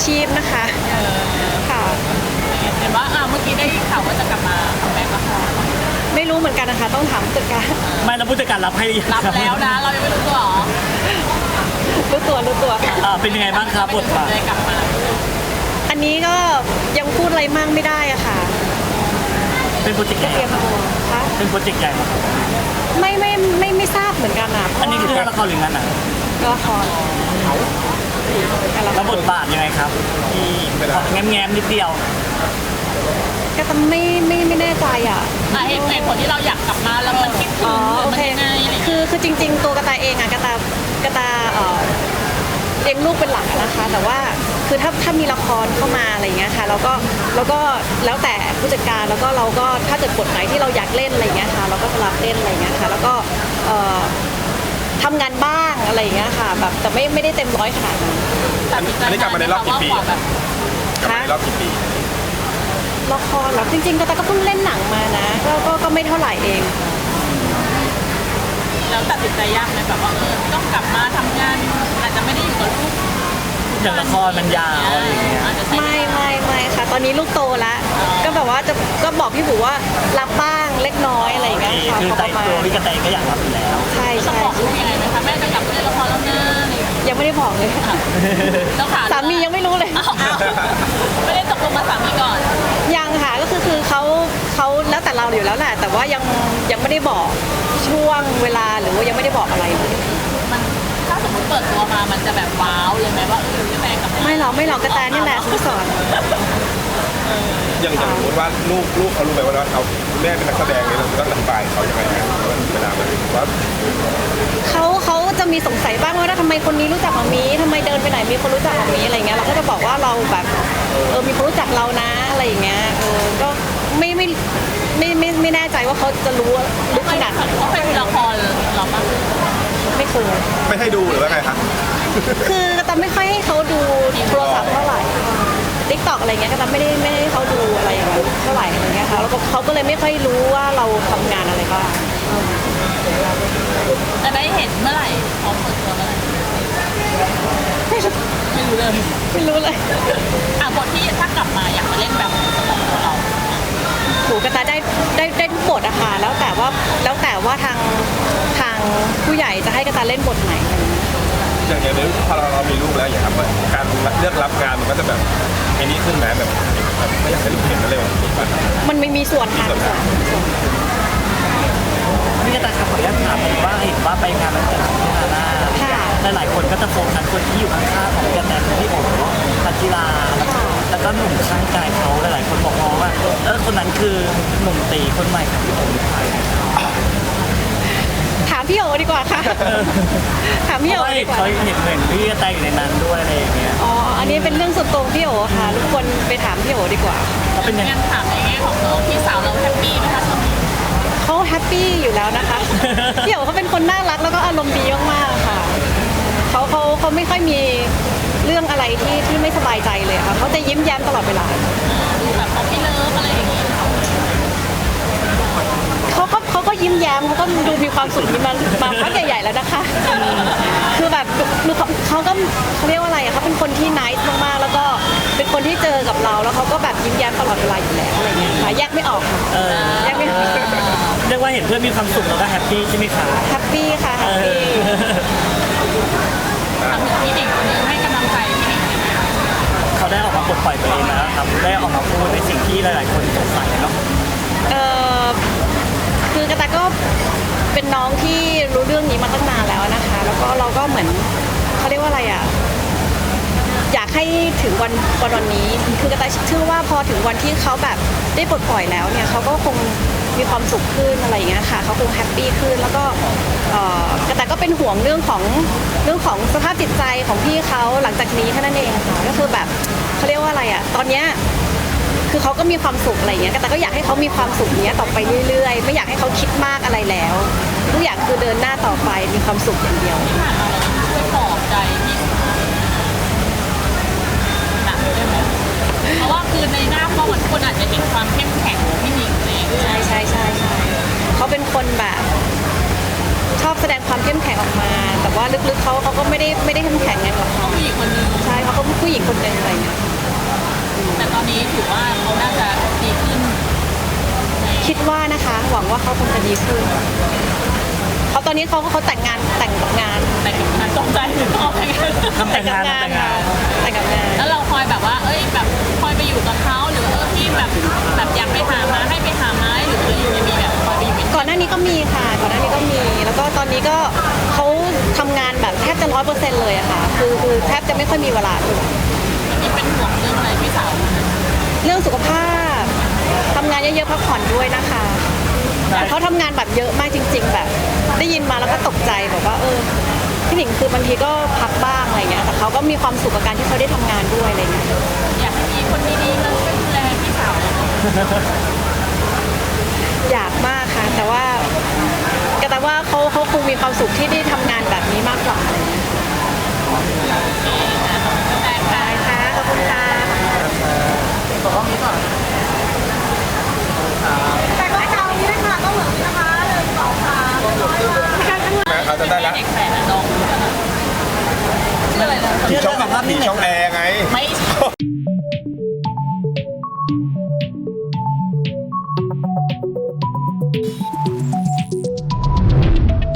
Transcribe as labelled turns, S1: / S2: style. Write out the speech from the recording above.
S1: ชีพนะคะค่ะ
S2: เห็นว่าเมื่อกี้ได้ข่าวว่าจะกลับมาทำแบ็คละคร
S1: ไม่รู้เหมือนกันนะคะต้องถามผู้จัดการ
S3: ไม่แล้วผู้จัดการรับให้
S2: รับแล้วนะเรายังไม่รู้ตัวหรอ
S1: รู้ตัวค่ะ
S3: เป็นยังไงบ้างครับบทบาท
S2: ได้กลับมา
S1: อันนี้ก็ยังพูดอะไรมากไม่ได้อะค่ะ
S3: เป็นโปรเจกต์ใหญ่
S1: เตรียมตัวคะ
S3: เป็นโปรเจกต์ใหญ่ไหม
S1: ไม่ทราบเหมือนกันอะ
S3: อันนี้คือละครหรืองานหนัง
S1: ละคร
S3: แล้วบทบาทยังไงครับที่แง้มนิดเดียว
S1: ก็ต้องไม่แน่ใจอ่ะ
S2: เหตุผลที่เราอยากกลับมาแล้วมันคิดถึง
S1: โอเคคือจริงๆตัวกระตายเองอะกระตเลี้ยงลูกเป็นหลักนะคะแต่ว่าคือถ้ามีละครเข้ามาอะไรเงี้ยค่ะแล้วก็แล้วแต่ผู้จัดการแล้วก็เราก็ถ้าเกิดบทไหนที่เราอยากเล่นอะไรเงี้ยค่ะเราก็จะรับเล่นอะไรเงี้ยค่ะแล้วก็ทำงานบ้างอะไรเงี้ยค่ะแบบแต่ไม่ได้เต็มร้อยขนาดนั้น
S4: อันนี้กลับมาในรอบกี่ปี
S1: คะ
S4: รอบกี่ปี
S1: ละครหรอจริงๆก็เพิ่งเล่นหนังมานะก็ไม่เท่าไหร่เอง
S2: แล้วตัดสินใจยากไหมแบบว่าต้องกลับมาทำงานอาจจะไม่ได้อยู่กับลูก
S3: อย่างละครมันยาวอะไรอย่างเงี้ย
S1: ไม่ค่ะตอนนี้ลูกโตแล้วก็แบบว่าก็บอกพี่บุ๋ว่ารับบ้างเล็กน้อยอะไรอย่างเงี้ยค่ะ
S3: คือใจตัวพี่กระแตก็อยากรับอยู่แล้ว
S1: ใช่
S2: ต้องบอกลูกยังไงไหมคะแม่จะกลับมาเล่นละครแล้วนะ
S1: ยังไม่ได้บอกเลยสามียังไม่รู้เลย
S2: ไม่ได้ตกลงมาสามีก่อน
S1: ยังค่ะก็คือเขาแล้วแต่เราอยู่แล้วแหละแต่ว่ายังไม่ได้บอกช่วงเวลาหรือว่ายังไม่ได้บอกอะไร
S2: มันถ้าสมมติเปิดตัวมามันจะแบบว้าวเลยไหมว่ากระแตกับ
S1: ไม่หรอกกระแตนี่แหละคุณสอน
S4: อย่างสมมติว่าลูกเขารู้ไหมว่าเขาแม่เป็นนักแสดงเนี่ยเราต้องอธิบายเขายังไงนะเวลามันว่า
S1: เขาจะมีสงสัยบ้างว่าทำไมคนนี้รู้จักหมามีทำไมเดินไปไหนมีคนรู้จักหมามีอะไรเงี้ยเราก็จะบอกว่าเราแบบมีคนรู้จักเรานะอะไรอย่างเงี้ยก็ไม่แน่ใจว่าเขาจะรู้ลึกขนาดไหน
S2: เขาเป็นละครหรอปะ
S1: ไม่เคย
S4: ไม่ให้ดูหรือว่าไงคะ
S1: คือแต่ไม่ค่อยให้เขาดูโทรศัพท์เท่าไหร่ติ๊กต็อกอะไรเงี้ยก็แต่ไม่ได้ให้เขาดูอะไรอย่างเงี้ยเท่าไหร่อะไรเงี้ยค่ะแล้วเขาก็เลยไม่ค่อยรู้ว่าเราทำงานอะไรบ้าง
S2: จะได้เห็นเมื่อไหร่พร้อมเปิดตัวเมื่อไหร่ไม่รู้
S1: เลย
S2: บทที่ถ้ากลับมาอยากมาเล่นแบบของเรา
S1: โหกระตาได้ทุกบทอะค่ะแล้วแต่ว่าทางผู้ใหญ่จะให้กระตาเล่นบทไหน
S4: อย่างนี้พอเรามีลูกแล้วอย่างครับการเลือกรับงานมันก็จะแบบไอ้นี้ขึ้นไหมแบบไม่อยากให้ลูกเห็นอะไรแบบนี้
S1: มันไม่มีส่วนค่ะ
S3: พี่กระตายครับขออนุญาตถามว่าเห็นว่าไปงานวันเกิดของพี่ฮาน่าหลายคนก็จะโฟกัสคนที่อยู่ข้างๆของกระแตคือพี่โอ๋พัชราแล้วก็หนุ่มข้างกายเขาหลายคนบอกว่าคนนั้นคือหนุ่มตีคนใหม่ของพี่โอ๋หรือเปล่า
S1: ถามพี่โอ๋ดีกว่าค่ะถามพี่โอ๋ดีกว่า
S3: เขาเห็นเหมือนพี่กระแตอยู่ในนั้นด้วยอะไรอย่างเงี้ย
S1: อันนี้เป็นเรื่องส่วนตัวพี่โอ๋ค่ะทุกคนไปถามพี่โอ๋ดีกว่า
S3: เขาเป็นยังไง
S2: ถามในแง่ของน้องพี่สาวเราแฮปปี้ไหมคะ
S1: เขาแฮปปี้อยู่แล้วนะคะพี่โอ๋เขาเป็นคนน่ารักแล้วก็อารมณ์ดีมากๆค่ะเขาไม่ค่อยมีเรื่องอะไรที่ไม่สบายใจเลยค่ะเขาจะยิ้มแย้มตลอดเวลา
S2: แบบเขาไม่เลิฟอะไรอย่างงี้
S1: เขาก็ยิ้มแย้มเขาก็ดูมีความสุขมาพักใหญ่ๆแล้วนะคะคือแบบเขาเรียกว่าอะไรเขาเป็นคนที่น่ารักมากๆแล้วก็เป็นคนที่เจอกับเราแล้วเขาก็แบบยิ้มแย้มตลอดเวลาอยู่แล้วอะไรเงี้ยค่ะแยกไม่ออกแยกไม่ออก
S3: เรียกว่าเห็นเพื่อนมีความสุขแล้วก็แฮปปี้ใช่ไหมคะ
S1: แฮปปี้ค่ะแฮปปี้
S2: ทำถึงพี่หนิงให้กำลังใจพี่หนิง
S3: เขาได้ออกมาปลดปล่อยตัวเองนะครับได้ออกมาพูดในสิ่งที่หลายๆคนสงสัยเนาะ
S1: คือกระตายก็เป็นน้องที่รู้เรื่องนี้มาตั้งนานแล้วนะคะแล้วก็เราก็เหมือนเขาเรียกว่าอะไรอ่ะอยากให้ถึงวันนี้คือกระตายเชื่อว่าพอถึงวันที่เขาแบบได้ปลดปล่อยแล้วเนี่ยเขาก็คงมีความสุขขึ้นอะไรอย่างเงี้ยค่ะเขาคงแฮปปี้ขึ้นแล้วก็กระตายก็เป็นห่วงเรื่องของสภาพจิตใจของพี่เขาหลังจากนี้แค่นั้นเองค่ะก็คือแบบเขาเรียกว่าอะไรอ่ะตอนเนี้ยคือเขาก็มีความสุขอะไรอย่างเงี้ยแต่ก็อยากให้เขามีความสุขเนี้ยต่อไปเรื่อยๆไม่อยากให้เขาคิดมากอะไรแล้วทุกอย่างคือเดินหน้าต่อไปมีความสุขอย่างเดียว
S2: ที่ผ่านมาเราช่วยปลอบใจพี่หนักได้ไหมเพราะว่าคือในหน้าพ่อเหมือนคนอาจจะเห็นความเข้มแข็งของพี่หนิงเลย
S1: ใช่เขาเป็นคนแบบชอบแสดงความเข้มแข็งออกมา แต่ว่าลึกๆเขาก็ไม่ได้เข้มแข็งไงหรอก
S2: เขาผู้หญิงคนหนึง
S1: ใช่เขาก็ผู้หญิงคนหนึ่งอะไรเงี้ย
S2: แต่ตอนนี้ถือว่าเขาน่าจะดีขึ้น
S1: คิดว่านะคะ หวังว่าเขาคงจะดีขึ้นเขาตอนนี้เขาแต่งกับงาน
S2: แต่กับงานตกใจหรือออกไปกัน
S3: ทำแต่งงานทำแต่งงาน
S1: แต่งกับงาน
S2: แล้วเราคอยแบบว่า เอ้ยแบบคอยไปอยู่กับเขาหรือว่าพี่แบบอยากไปหามาให้ไปหามาหรืออะไรอย่างเงี้ยมีแบบคอยไปอยู่เป็น
S1: ก่อนหน้านี้ก็มีค่ะก่อนหน้านี้ก็มี แล้วก็ตอนนี้ก็เขาทำงานแบบแทบจะ100%เลยอะค่ะคือแทบจะไม่ค่อยมีเวลาเลย
S2: นี่เป็นห่วงเรื่องอะไรพี่สาว
S1: เรื่องสุขภาพทำงานเยอะๆพักผ่อนด้วยนะคะแต่เขาทำงานแบบเยอะมากจริง ๆ แบบ ได้ยินมาแล้วก็ตกใจแบบว่าพี่หนิงคือบางทีก็พักบ้างอะไรเงี้ยแต่เขาก็มีความสุขกับการที่เขาได้ทำงานด้วยอะไรเงี้ย
S2: อยากให้มีคนดีๆมาช่วยดูแลพี่สาว
S1: อยากมากค่ะ แต่ว่าเขาคงมีความสุขที่ได้ทำงานแบบนี้มากกว่าอะไรเงี้ย
S2: แต่ค่ะ
S1: ได้ค่ะขอบคุณค่ะ
S4: เอาจะได้แล้ว
S2: เด็กแฝดอะน้องชื่ออะไรนะ
S4: ผีช่องแอร์ไง
S2: ไม่ใช่